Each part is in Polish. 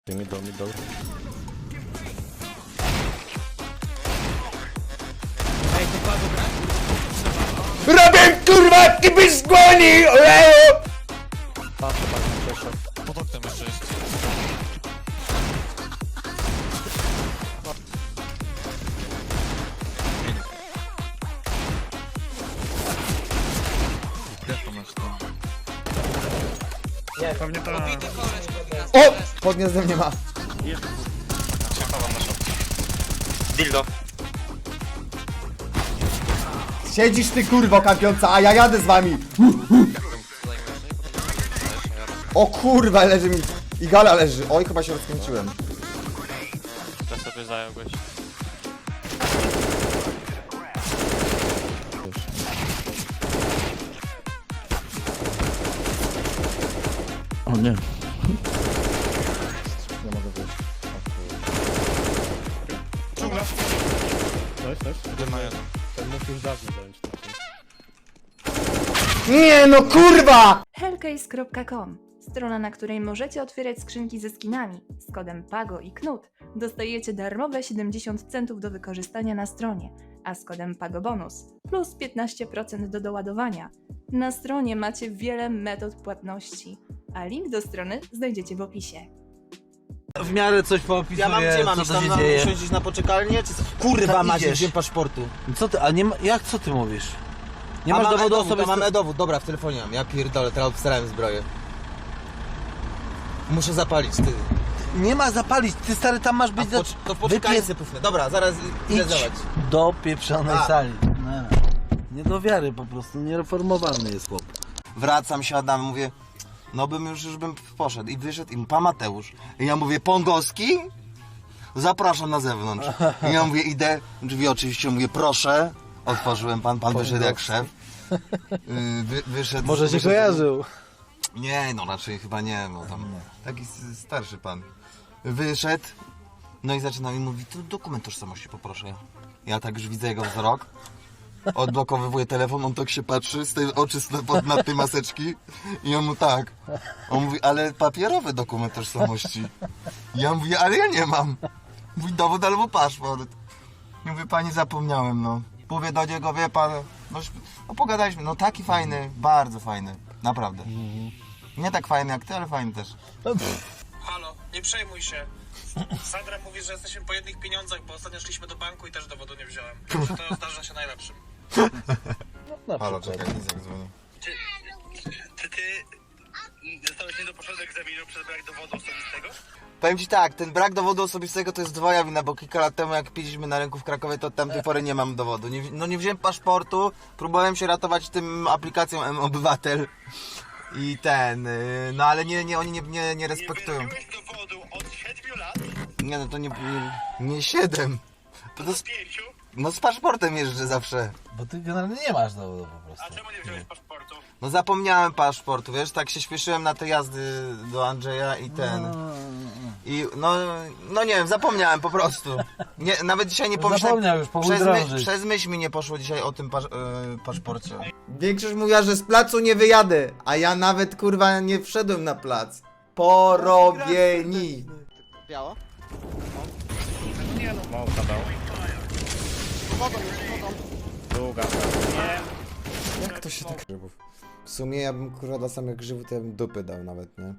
Middle. Ej, to Pago gra? Robię kurwa kibis z głoni! Patrzę, przeszedł. Pod oknem jeszcze jest. Jak masz to? Pewnie to... O! Pod gniazdem nie ma. Czekałam na szok. Dildo. Siedzisz ty kurwo kampiąca, a ja jadę z wami. O kurwa, leży mi. I gala leży. Oj, chyba się rozkręciłem. To sobie zająłeś. O nie. Nie mogę wyjść. Coś? Jeden na jeden. Ten mógł już dawno zająć. Nie no kurwa! Hellcase.com, strona, na której możecie otwierać skrzynki ze skinami. Z kodem PAGO i KNUT dostajecie darmowe 70 centów do wykorzystania na stronie, a z kodem PAGO bonus plus 15% do doładowania. Na stronie macie wiele metod płatności, a link do strony znajdziecie w opisie. W miarę coś poopisuję, Ja mam gdzie mam co iść? to Tam się mam dzieje. usiąść na poczekalnię? Czy co? Kurwa Tam macie, idziesz. wziąłem paszportu. Co ty, a nie ma, jak co ty mówisz? Nie A masz mam dowodu e-dowód, osobistego? Mam e-dowód, dobra, w telefonie mam. Ja pierdolę, teraz obstarałem zbroję. Muszę zapalić, ty. Nie ma zapalić, ty stary tam masz być To w poczekalnicy pufnę. Dobra, zaraz idę idź zobacz. do pieprzonej A. sali. Nie do wiary po prostu, niereformowalny jest chłop. Wracam, siadam, mówię, no już bym poszedł. I wyszedł i pan Mateusz. I ja mówię, Pongowski? Zapraszam na zewnątrz. I ja mówię, idę, drzwi oczywiście, mówię, proszę. Otworzyłem, pan wyszedł jak szef. Wyszedł. Może się wyszedł- kojarzył. Nie, no raczej chyba nie, bo tam taki starszy pan. Wyszedł, no i zaczyna mi mówić, to dokument tożsamości poproszę. Ja tak już widzę jego wzrok, odblokowywuję telefon, on tak się patrzy, z tej oczy na tej maseczki i on mu tak. On mówi, ale papierowy dokument tożsamości. Ja mówię, ale ja nie mam. Mówi, dowód albo paszport. Ja mówię, pani zapomniałem, no. Mówię do niego, wie pan, no pogadaliśmy, no taki fajny, bardzo fajny, naprawdę. Nie tak fajny jak ty, ale fajny też. Halo, nie przejmuj się. Sandra mówi, że jesteśmy po jednych pieniądzach, bo ostatnio szliśmy do banku i też dowodu nie wziąłem. Że to zdarza się najlepszym. Halo, czekaj, Izak dzwoni. Ty zostałeś nie dopuszczony do egzaminu przez brak dowodu osobistego? Powiem ci tak, ten brak dowodu osobistego to jest dwoja wina, bo kilka lat temu jak piliśmy na rynku w Krakowie, to od tamtej pory nie mam dowodu. Nie wziąłem paszportu, próbowałem się ratować tym aplikacją M-Obywatel i no ale oni nie respektują. Nie wziąłeś dowodu od 7 lat, Nie, no to nie 7. To z 5, no z paszportem jeżdżę zawsze. Bo ty generalnie nie masz dowodu po a prostu. czemu nie wziąłeś paszportu? No zapomniałem paszportu, wiesz, tak się śpieszyłem na te jazdy do Andrzeja i I no nie wiem, zapomniałem po prostu. Nie, nawet dzisiaj nie pomyślałem. Zapomniał już, powód drążyć. Przez myśl mi nie poszło dzisiaj o tym paszporcie. Większość mówiła, że z placu nie wyjadę, a ja nawet kurwa nie wszedłem na plac. Porobieni. Biało? Małka dał. Długa. Jak to się tak grzybów? W sumie ja bym kurwa dla samych grzybów to ja bym dupy dał nawet, nie?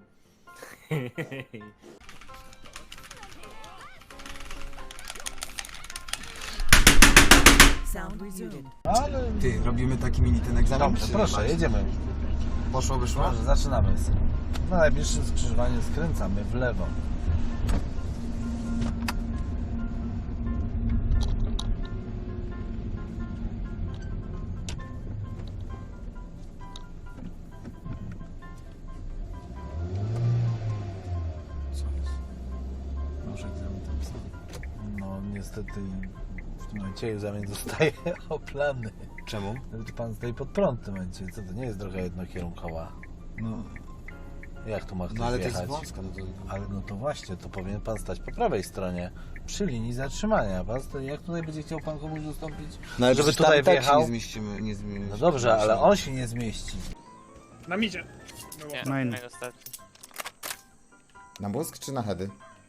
Ty, robimy taki mini ten egzamin? Dobrze, proszę, jedziemy. Poszło, wyszło? Proszę, zaczynamy. Na najbliższym skrzyżowaniu skręcamy w lewo. Może egzamin tam pisał. No niestety w tym momencie egzamin zostaje oplany. Czemu? Pan stoi pod prąd w tym momencie. Co to nie jest droga jednokierunkowa? No, Jak tu ma ktoś no ale to jest wjechać? wąska. No to... Ale no to właśnie, to powinien pan stać po prawej stronie, przy linii zatrzymania. Pan stoi, jak tutaj będzie chciał pan komuś dostąpić? No ale żeby przecież tutaj tam tak się wjechał? nie zmieścimy. No dobrze, ale on się nie zmieści. Na midzie. Nie, Main. ostatni. Na mózg czy na heady?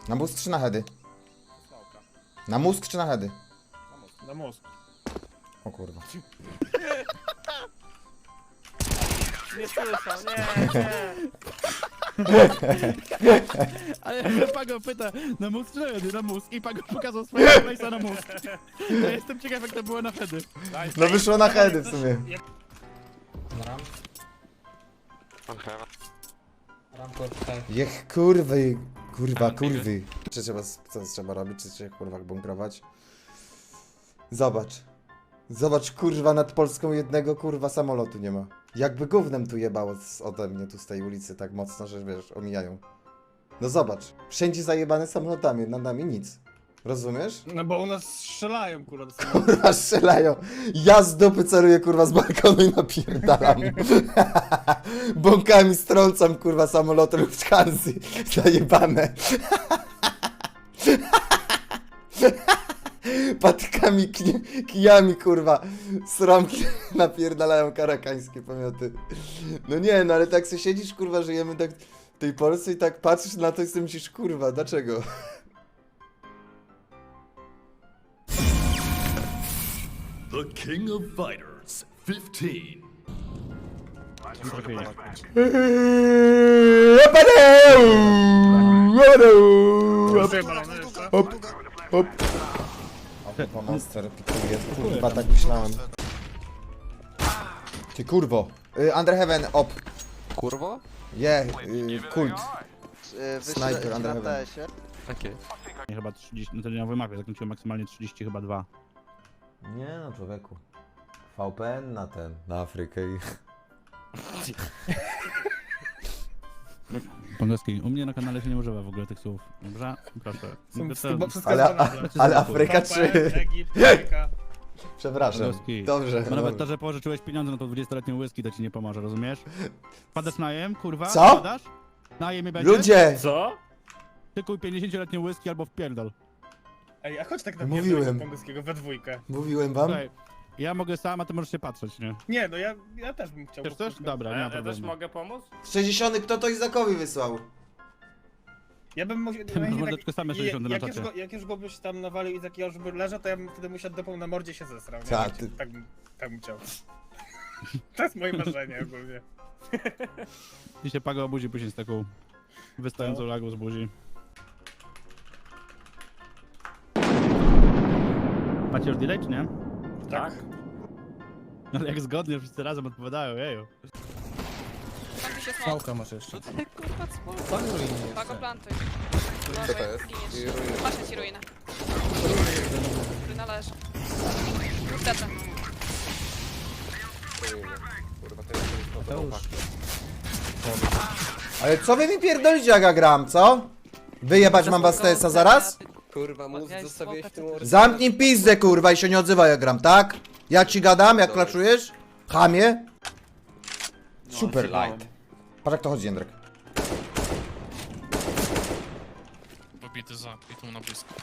Na mózg czy na heady? Smoka. Na mózg czy na heady? Na mózg. Na mózg. O kurwa. Nie słyszał, nie. Ale Pago pyta, na mózg czy na hedy? Na mózg. I Pago pokazał swojego place'a na mózg. Ja jestem ciekaw, jak to było na hedy. No wyszło na heady w sumie. Jech kurwy, kurwa, kurwy. Czy trzeba, co trzeba robić? Czy trzeba kurwa bunkrować? Zobacz. Zobacz kurwa, nad Polską jednego kurwa samolotu nie ma. Jakby gównem tu jebało ode mnie tu z tej ulicy tak mocno, że wiesz, omijają. No zobacz. Wszędzie zajebane samolotami, nad nami nic. Rozumiesz? No bo u nas strzelają, kurwa, do samego. Kurwa strzelają. Ja z dupy celuję kurwa z balkonu i napierdalam. Bąkami strącam kurwa samoloty Lufthansa. Zajebane. Patykami, kijami kurwa sromki napierdalają karakańskie pomioty. No nie, no ale tak sobie siedzisz kurwa, żyjemy tak w tej Polsce i tak patrzysz na to i sobie myślisz kurwa, dlaczego? The King of Fighters 15. Hop, hop. O, monster pikuje, kurwa, tak myślałem. Ty kurwo. Under Heaven, op. Kurwo? Kult. Sniper, Wyślę Under na Heaven. TS-ie. Nie, chyba 30, no to nie na wymapie, zakończyłem maksymalnie 30, chyba 2. Nie no, człowieku. VPN na Afrykę i... Pongowski, u mnie na kanale się nie używa w ogóle tych słów. Dobrze? Proszę. Ale Afryka czy... Egipt, Afryka. Przepraszam. Pongowski. Dobrze. Bo nawet to, że pożyczyłeś pieniądze na to 20-letnią whisky, to ci nie pomoże, rozumiesz? Wpadasz najem, kurwa? Co? Wpadasz? Najem i będzie? Ludzie! Co? Ty kuj 50-letnią whisky albo wpierdol. Ej, a chodź tak na Mówiłem. Pongowskiego we dwójkę. Mówiłem wam? Słuchaj, ja mogę sam, a ty możesz się patrzeć, nie? Nie, no ja też bym chciał. Chcesz też? Dobra, nie ma problemu. mogę pomóc? 60 kto to Izakowi wysłał? Ja bym musiał... Ty masz mordeczko same 60 na czacie. Jak już go byś tam nawalił i takiego, żeby leżał, to ja bym wtedy musiał dopą na mordzie się zesrał, nie? Tak, ty- Tak bym chciał. To jest moje marzenie ogólnie. I się Pago obudzi później z taką wystającą lagą z buzi. Macie już delay, czy nie? Tak. Ale jak zgodnie wszyscy razem odpowiadają, jeju. Pałka masz jeszcze. Pago plantuj. Co to jest? Patrzę ci ruinę. Ruina leży. Lecę. Ale co wy mi pierdolicie jak ja gram, co? Wyjebać mam was z TS-a zaraz? Kurwa, mózg zostawiłeś w tym Zamknij pizdę kurwa i się nie odzywaj jak gram, tak? Jak ci gadam, jak klaczujesz? Chamie? Super light. Patrz jak to chodzi, Jędrek. Pobity za i tu na blisko.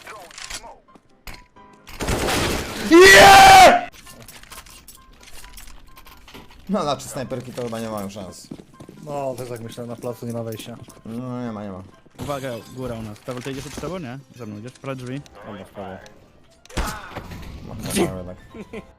Yeah! No znaczy snajperki to chyba nie mają szans. No, też tak myślę, na placu nie ma wejścia. No nie ma, nie ma. Uwaga, góra u nas. Paweł, ty idziesz od prawo, nie? Za mną idziesz, prawo drzwi. Dobra, w prawo. No, tak.